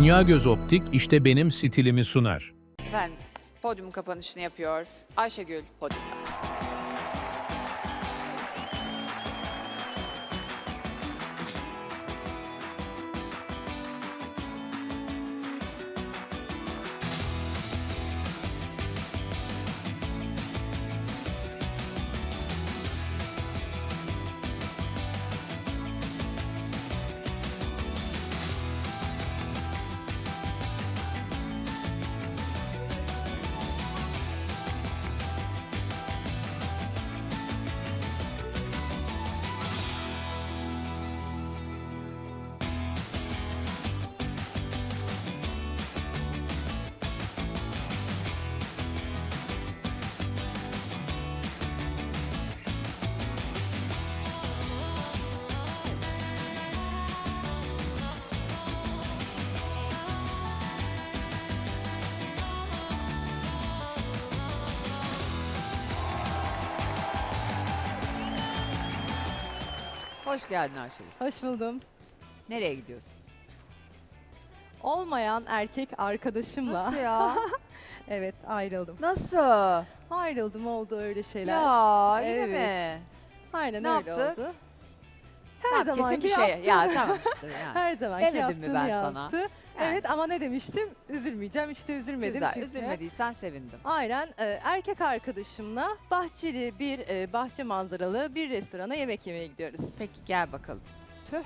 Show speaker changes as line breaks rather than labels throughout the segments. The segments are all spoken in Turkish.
Dünya Göz Optik işte benim stilimi sunar.
Efendim, podyumun kapanışını yapıyor Ayşegül podyumda. Hoş geldin Ayşegül.
Hoş buldum.
Nereye gidiyorsun?
Olmayan erkek arkadaşımla
Nasıl ya?
evet ayrıldım.
Nasıl?
Ayrıldım, oldu öyle şeyler.
Ya yine
Evet.
mi?
Aynen
Ne
öyle
yaptı?
oldu. Her
Tamam, kesin
zamanki
bir şey.
yaptığını,
Ya tamam işte yani.
her zamanki
Demedim mi
yaptığını
ben sana?
yaptı.
Yani.
Evet ama ne demiştim? Üzülmeyeceğim. İşte üzülmedim.
Güzel,
çünkü.
üzülmediysen sevindim.
Aynen erkek arkadaşımla bahçeli bir bahçe manzaralı bir restorana yemek yemeye gidiyoruz.
Peki gel bakalım.
Tüh.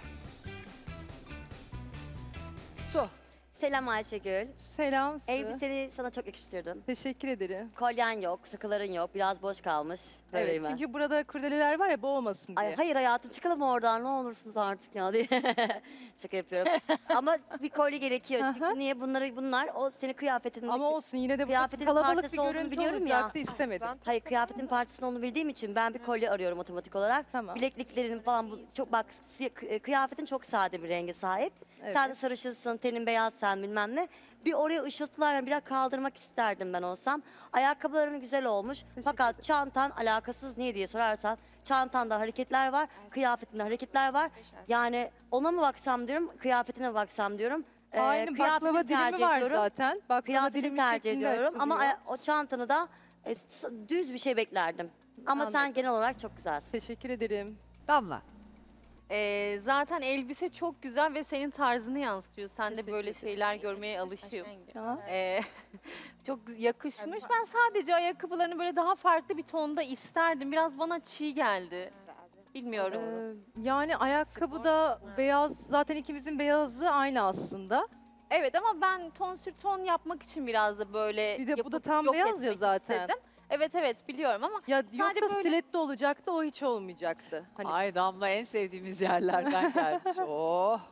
Su.
Selam Ayşegül.
Selam. Su.
Elbiseni sana çok yakıştırdım.
Teşekkür ederim.
Kolyen yok, sıkıların yok, biraz boş kalmış.
Evet,
Böyleyim ben.
çünkü burada kurdeleler var ya, boğulmasın diye.
Ay, hayır hayatım çıkalım oradan ne olursunuz artık ya diye. Şaka yapıyorum. Ama bir kolye gerekiyor.
Aha.
Çünkü niye bunlar o senin kıyafetinin...
Ama olsun, yine de burada
Kıyafetinin
kalabalık bir
parçası olduğunu
görüntü
biliyorum ya.
olacaktı, istemedim.
Hayır kıyafetin parçasını onu bildiğim için ben bir kolye arıyorum otomatik olarak.
Tamam.
Bilekliklerin falan çok bak kıyafetin çok sade bir renge sahip.
Evet.
Sen de sarışınsın, tenin beyaz sen bilmem ne. Bir oraya ışıltılar yani biraz kaldırmak isterdim ben olsam. Ayakkabıların güzel olmuş. Fakat çantan alakasız niye diye sorarsan çantanda hareketler var, kıyafetinde hareketler var. Yani ona mı baksam diyorum, kıyafetine mi baksam diyorum.
Aynı
Kıyafetini
baklava dilimi
tercih
var
ediyorum.
zaten. Baklava
Kıyafetini
dilimi
tercih
şeklinde
ediyorum ama
açılıyor.
o çantanı da düz bir şey beklerdim. Ama sen
Anladım.
genel olarak çok güzelsin.
Teşekkür ederim.
Damla.
Zaten elbise çok güzel ve senin tarzını yansıtıyor. Sen de
Teşekkür
böyle
ederim.
şeyler görmeye alışığım.
Ya.
Çok yakışmış. Ben sadece ayakkabılarını böyle daha farklı bir tonda isterdim. Biraz bana çiğ geldi. Bilmiyorum.
Yani ayakkabıda beyaz, zaten ikimizin beyazı aynı aslında.
Evet ama ben ton sür ton yapmak için biraz da böyle
Bir de bu da
yapıp
tam
yok
beyaz ya
etmek
zaten.
istedim. Evet biliyorum ama
Ya
Sadece
yoksa
böyle-
stiletto olacaktı, o hiç olmayacaktı. Hani
Ay Damla en sevdiğimiz yerlerden gelmiş. Oh.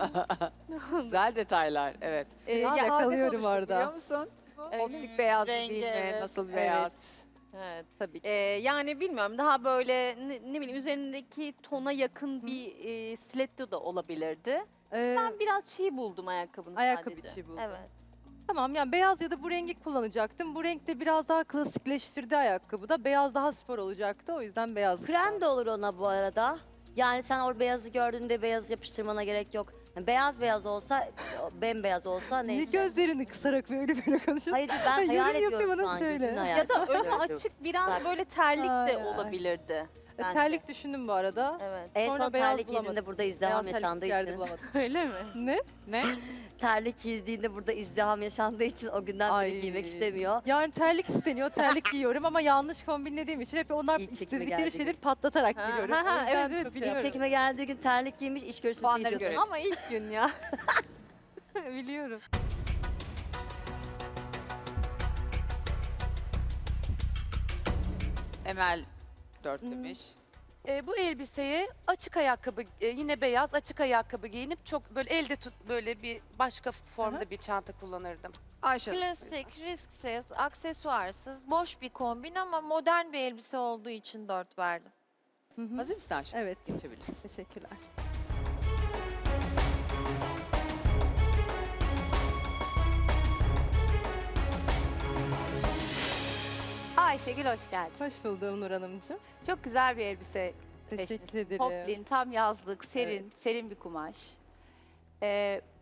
Güzel detaylar. Evet.
Biraz
Ya,
yakalıyorum
konuştuk,
orada.
Biliyor musun?
Evet.
Optik beyaz
Rengi,
değil mi?
evet.
Nasıl beyaz?
evet.
tabii ki.
Yani bilmiyorum daha böyle ne bileyim üzerindeki tona yakın bir stiletto da olabilirdi. Ben biraz çiğ buldum ayakkabını
Ayakkabı
sadece.
çiğ buldun.
Evet.
Tamam, yani beyaz ya da bu rengi kullanacaktım. Bu renk de biraz daha klasikleştirdi ayakkabıda. Beyaz daha spor olacaktı, o yüzden beyaz.
Krem de olur ona bu arada. Yani sen o beyazı gördüğünde beyaz yapıştırmana gerek yok. Yani beyaz olsa, bembeyaz olsa
Niye
neyse.
gözlerini kısarak böyle konuşuyorsun?
Hayır ben
Yorum
hayal
yapıyor,
ediyorum
bana
şu an.
söyle.
gözünü hayal
Ya da önü
ediyorum.
açık biraz
Bak.
böyle terlik
Ay,
de
ay.
olabilirdi. bence.
Terlik düşündüm bu arada.
Evet.
En
Sonra
son
beyaz
terlik
bulamadım.
giydiğinde burada izdiham
Beyaz
yaşandığı
terlik yerde
için.
bulamadım.
Öyle mi?
Ne?
Ne?
Terlik giydiğinde burada izdiham yaşandığı için o günden beri giymek istemiyor.
Yani terlik isteniyor, terlik giyiyorum ama yanlış kombinlediğim için hep onlar
İlk çekime
istedikleri
geldiği
şeyleri
gün.
patlatarak
Ha,
giriyorum.
ha,
O yüzden
evet,
çok
biliyorum.
İlk çekime geldiği gün terlik giymiş, iş görüşmesine
Puanları
gidiyordu.
görelim.
Ama ilk gün ya. Biliyorum.
Emel 4 demiş.
Bu elbiseyi açık ayakkabı, yine beyaz açık ayakkabı giyinip çok böyle elde tut böyle bir başka formda bir çanta kullanırdım.
Ayşe.
Klasik, risksiz, aksesuarsız, boş bir kombin ama modern bir elbise olduğu için 4 verdim.
Hı hı.
Hazır mısın Ayşe?
Evet.
Geçebilirsin.
Teşekkürler.
Ayşegül hoş geldin.
Hoş buldum Nur Hanımcığım.
Çok güzel bir elbise
Teşekkür
seçmişsin.
ederim.
Poplin, tam yazlık, serin bir kumaş.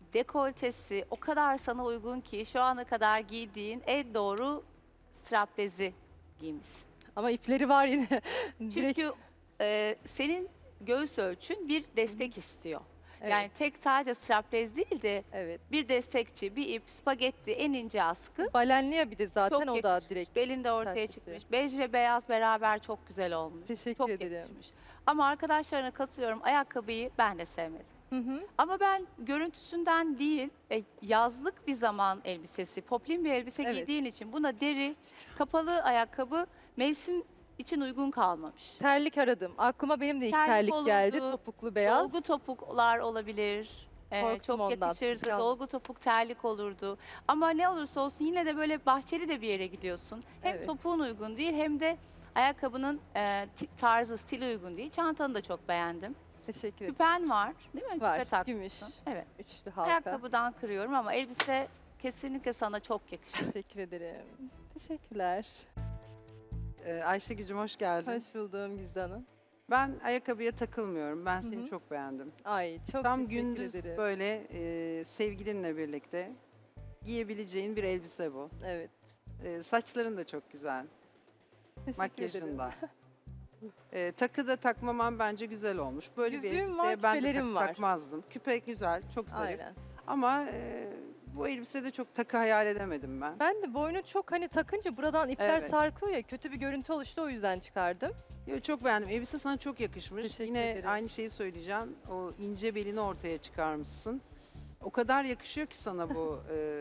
dekoltesi o kadar sana uygun ki şu ana kadar giydiğin en doğru straplezi giymişsin.
Ama ipleri var yine. Direkt,
Çünkü senin göğüs ölçün bir destek istiyor.
evet,
Yani tek sadece straplez değil de
evet.
bir destekçi, bir ip, spagetti, en ince askı.
Balenli ya bir de zaten
Çok
o da
yakışmış.
direkt.
Belinde ortaya
sertleşiyor.
çıkmış. Bej ve beyaz beraber çok güzel olmuş.
Teşekkür
Çok
ederim.
yakışmış. Ama arkadaşlarına katılıyorum. Ayakkabıyı ben de sevmedim.
Hı hı.
Ama ben görüntüsünden değil, yazlık bir zaman elbisesi, poplin bir elbise
Evet.
giydiğin için buna deri, kapalı ayakkabı mevsim için uygun kalmamış.
Terlik aradım. Aklıma benim de ilk
Terlik
terlik geldi.
olurdu,
Topuklu beyaz.
Dolgu topuklar olabilir.
Korktum
Çok
ondan.
yakışırdı.
Kıskandım.
Dolgu topuk terlik olurdu. Ama ne olursa olsun yine de böyle bahçeli de bir yere gidiyorsun. Hem
Evet.
topuğun uygun değil hem de ayakkabının tarzı, stili uygun değil. Çantanı da çok beğendim.
Teşekkür ederim.
Küpen var değil mi?
Var,
Küpe takmışsın.
gümüş.
Evet.
Üçlü halka.
Ayakkabıdan kırıyorum ama elbise kesinlikle sana çok yakışır.
Teşekkür ederim. Teşekkürler.
Ayşegül'cüm hoş geldin.
Hoş buldum Gizli Hanım.
Ben ayakkabıya takılmıyorum. Ben seni
hı.
çok beğendim.
Ay çok
Tam
teşekkür
gündüz
ederim.
böyle sevgilinle birlikte giyebileceğin bir elbise bu.
Evet.
Saçların da çok güzel.
Teşekkür
Makyajın
ederim.
da. Takı da takmaman bence güzel olmuş. Böyle bir
Yüzüğüm var,
elbiseye ben de
küpelerim
takı
var.
takmazdım. Küpe güzel, çok zarif.
Aynen.
Ama bu elbisede çok takı hayal edemedim ben.
Ben de boynu çok hani takınca buradan ipler
Evet.
sarkıyor ya kötü bir görüntü oluştu o yüzden çıkardım.
Yo, çok beğendim. Elbise sana çok yakışmış.
Teşekkür
Yine
ederim.
aynı şeyi söyleyeceğim. O ince belini ortaya çıkarmışsın. O kadar yakışıyor ki sana bu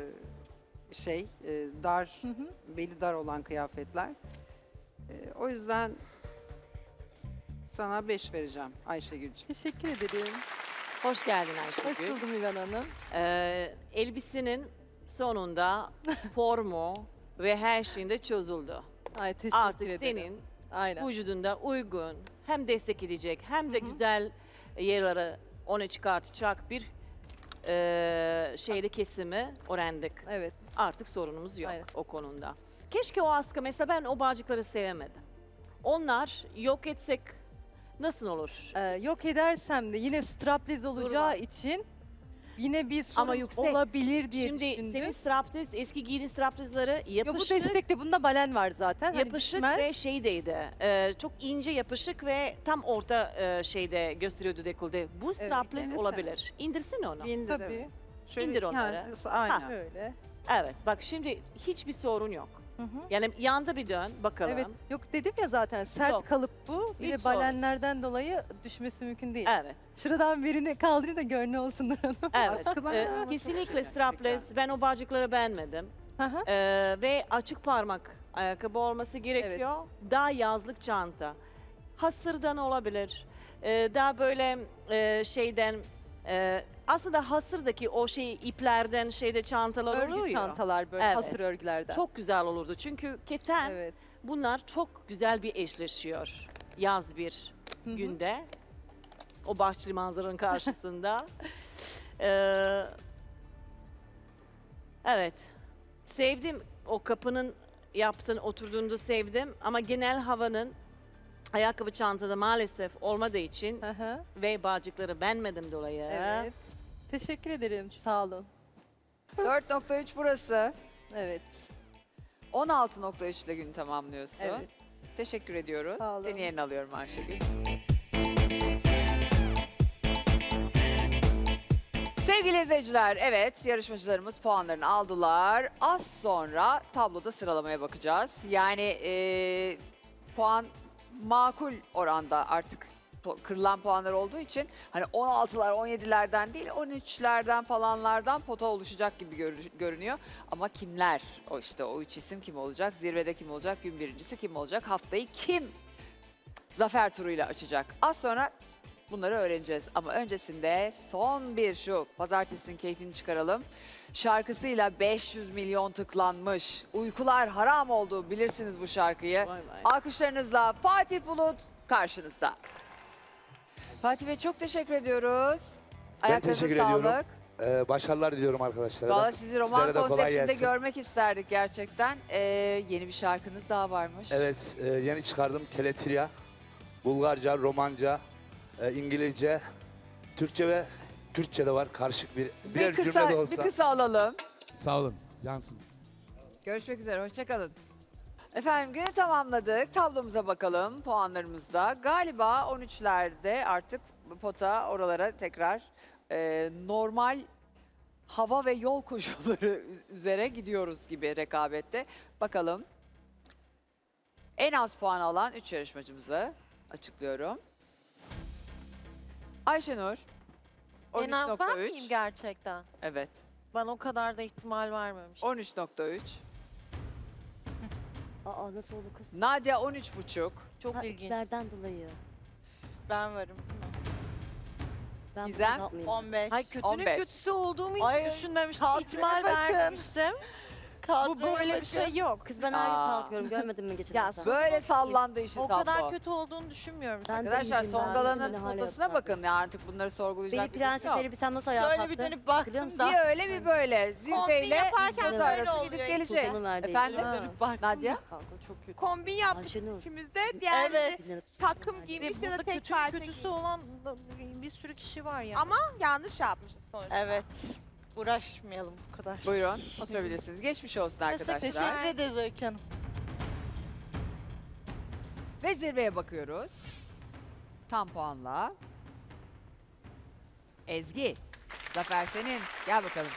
dar,
Hı hı.
beli dar olan kıyafetler. O yüzden sana 5 vereceğim Ayşegül'cüğüm.
Teşekkür ederim.
Hoş geldin
Hoş
Ayşegül.
buldum İvan Hanım.
Elbisenin sonunda formu ve her şeyinde çözüldü.
Ay teşekkür
Artık
ederim.
senin
Aynen.
vücudunda uygun, hem destek edecek hem de
Hı hı.
güzel yerlere onu çıkartacak bir kesimi öğrendik.
Evet.
Artık sorunumuz yok
Aynen.
o konuda. Keşke o askı, mesela ben o bağcıkları sevemedim. Onlar yok etsek nasıl olur?
Yok edersem de yine strapless olacağı
Durmaz.
için yine bir sorun
Ama yüksek.
olabilir diye
Şimdi
düşündüm.
senin strapless, eski giydiğin strapless'ları
Ya bu
yapışık,
destekte bunda balen var zaten. Hani
yapışık
düşmez.
ve şeydeydi. Çok ince yapışık ve tam orta şeyde gösteriyordu dekolde. Bu strapless
denesene.
olabilir. İndirsin onu.
İndir,
Tabii.
evet. Şöyle,
İndir onları.
Aynen.
Öyle.
Evet, bak şimdi hiçbir sorun yok.
Hı hı.
Yani yanda bir dön bakalım.
Evet. Yok dedim ya zaten sert
Yok.
kalıp bu. Bir
Hiç
de
sorun.
balenlerden dolayı düşmesi mümkün değil.
Evet.
Şuradan birini kaldırayım da gönlü olsun Nur Hanım.
Evet.
Askılar ama
Kesinlikle
çok
strapless. Ben o bağcıkları beğenmedim.
Hı hı.
Ve açık parmak ayakkabı olması gerekiyor. Daha yazlık çanta. Hasırdan olabilir. Daha böyle aslında hasırdaki o iplerden çantalar
Örgü
oluyor.
çantalar böyle
Evet.
hasır örgülerden.
Çok güzel olurdu. Çünkü keten
Evet.
bunlar çok güzel bir eşleşiyor. Yaz bir
Hı hı.
günde. O bahçeli manzaranın karşısında. Ee, evet. Sevdim. O kapının oturduğunda sevdim. Ama genel havanın ayakkabı çantada maalesef olmadığı için
Hı hı.
ve bağcıkları beğenmedim dolayı.
Evet. Teşekkür ederim. Sağ olun.
4.3 burası.
Evet.
16.3 ile günü tamamlıyorsun.
Evet.
Teşekkür ediyoruz.
Sağ olun.
Seni yerine alıyorum Ayşegül. Sevgili izleyiciler, evet yarışmacılarımız puanlarını aldılar. Az sonra tabloda sıralamaya bakacağız. Yani puan makul oranda artık kırılan puanlar olduğu için hani 16'lar 17'lerden değil 13'lerden falanlardan pota oluşacak gibi görünüyor. Ama kimler? O üç isim kim olacak? Zirvede kim olacak? Gün birincisi kim olacak? Haftayı kim zafer turuyla açacak? Az sonra bunları öğreneceğiz. Ama öncesinde son bir şu pazartesinin keyfini çıkaralım. Şarkısıyla 500 milyon tıklanmış. Uykular haram oldu, bilirsiniz bu şarkıyı.
Vay vay.
Alkışlarınızla Fatih Bulut karşınızda. Fatih Bey çok teşekkür ediyoruz. Ayaklarınıza
teşekkür
sağlık.
ediyorum. Başarılar diliyorum arkadaşlara.
Valla sizi roman
Sizlere de kolay
konseptinde
gelsin.
görmek isterdik gerçekten. Yeni bir şarkınız daha varmış.
Evet, yeni çıkardım Teletirya. Bulgarca, Romanca, İngilizce, Türkçe ve Kürtçe de var. Karışık bir
Bir
birer cümle de
kısa,
olsa.
bir kısa alalım.
Sağ olun. Cansınız.
Görüşmek üzere, hoşçakalın. Efendim günü tamamladık. Tablomuza bakalım puanlarımızda. Galiba 13'lerde artık pota oralara tekrar normal hava ve yol koşulları üzere gidiyoruz gibi rekabette. Bakalım. En az puan alan 3 yarışmacımızı açıklıyorum. Ayşenur.
En az ben
13.3.
miyim gerçekten?
Evet.
Ben o kadar da ihtimal vermemiştim.
13.3.
Aa nasıl oldu kız?
Nadia 13.5.
Çok
Ha,
ilginç.
üçlerden dolayı.
Ben varım.
Ben
Gizem,
bunu yapmayayım.
15.
Ay kötünün
15.
kötüsü olduğumu hiç
Ay,
düşünmemiştim.
kadroya
İhtimal
bakın.
vermemiştim. Bu böyle bir şey yok.
Kız ben her gün
Aa.
kalkıyorum. Görmedin mi geçen
Ya,
hafta?
Böyle sallandı işin
O
tablo.
kadar kötü olduğunu düşünmüyorum.
Ben de
Arkadaşlar
iyiydim, ben de
Songala'nın
beni hala
potasına
yaptılar.
bakın ya artık bunları sorgulayacak
Beni
bir durum
prenses
yok.
elbisem nasıl ayağa
Şöyle
kalktı?
bir dönüp
Biliyor
baktım
musun?
da.
Bir öyle bir böyle
Kombin
zirveyle
yaparken
pota
böyle
arası
oluyor
gidip
işte.
gelecek.
Sultanın verdiği.
Efendim
Dönüp baktım.
Nadia?
Kanka çok kötü.
Kombin yaptık
Ayşenur.
ikimizde. Diğer
Evet.
takım giymiş ya da
Burada
tek
kötünün
parça
kötüsü
giymiş.
olan bir sürü kişi var ya.
Ama yanlış yapmışız sonuçta. Evet. Uğraşmayalım bu kadar.
Buyurun oturabilirsiniz. Geçmiş olsun arkadaşlar.
Teşekkür ederiz Öykü Hanım.
Ve zirveye bakıyoruz. Tam puanla. Ezgi. Zafer senin. Gel bakalım.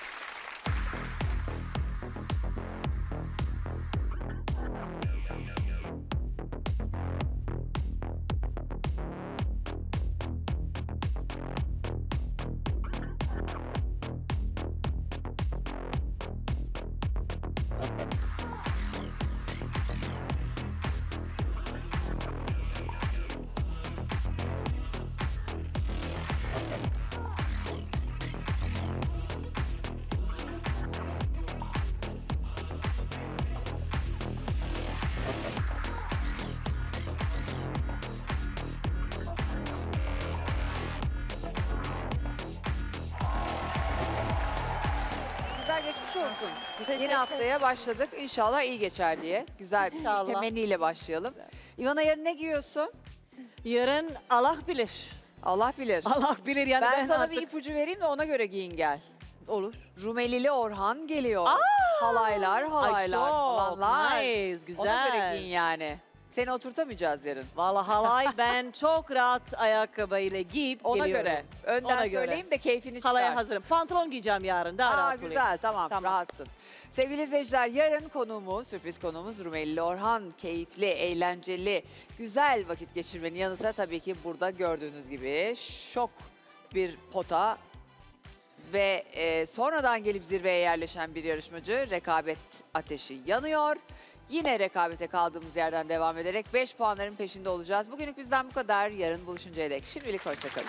Güzel geçmiş olsun. Yeni haftaya başladık. İnşallah iyi geçer diye. Güzel bir
İnşallah.
temenniyle başlayalım. İvana yarın ne giyiyorsun?
Yarın Allah bilir.
Allah bilir.
Allah bilir yani
Ben sana
artık...
bir ipucu vereyim de ona göre giyin gel.
Olur.
Rumelili Orhan geliyor. Halaylar,
Ay
halaylar,
çok
falanlar.
nice,
Ona göre
güzel.
giyin yani. Seni oturtamayacağız yarın.
Vallahi halay ben çok rahat ayakkabıyla giyip
Ona
geliyorum.
göre. Önden
Ona göre.
söyleyeyim de keyfini çıkar.
Halaya hazırım. Pantolon giyeceğim yarın. Daha
Aa,
rahat olayım.
güzel tamam,
Tamam.
rahatsın. Sevgili izleyiciler yarın konuğumuz, sürpriz konuğumuz Rumelili Orhan. Keyifli, eğlenceli, güzel vakit geçirmenin yanı sıra tabii ki burada gördüğünüz gibi şok bir pota ve sonradan gelip zirveye yerleşen bir yarışmacı. Rekabet ateşi yanıyor. Yine rekabete kaldığımız yerden devam ederek 5 puanların peşinde olacağız. Bugünlük bizden bu kadar. Yarın buluşuncaya dek şimdilik hoşçakalın.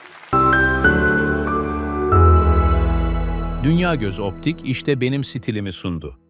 Dünya Göz Optik işte benim stilimi sundu.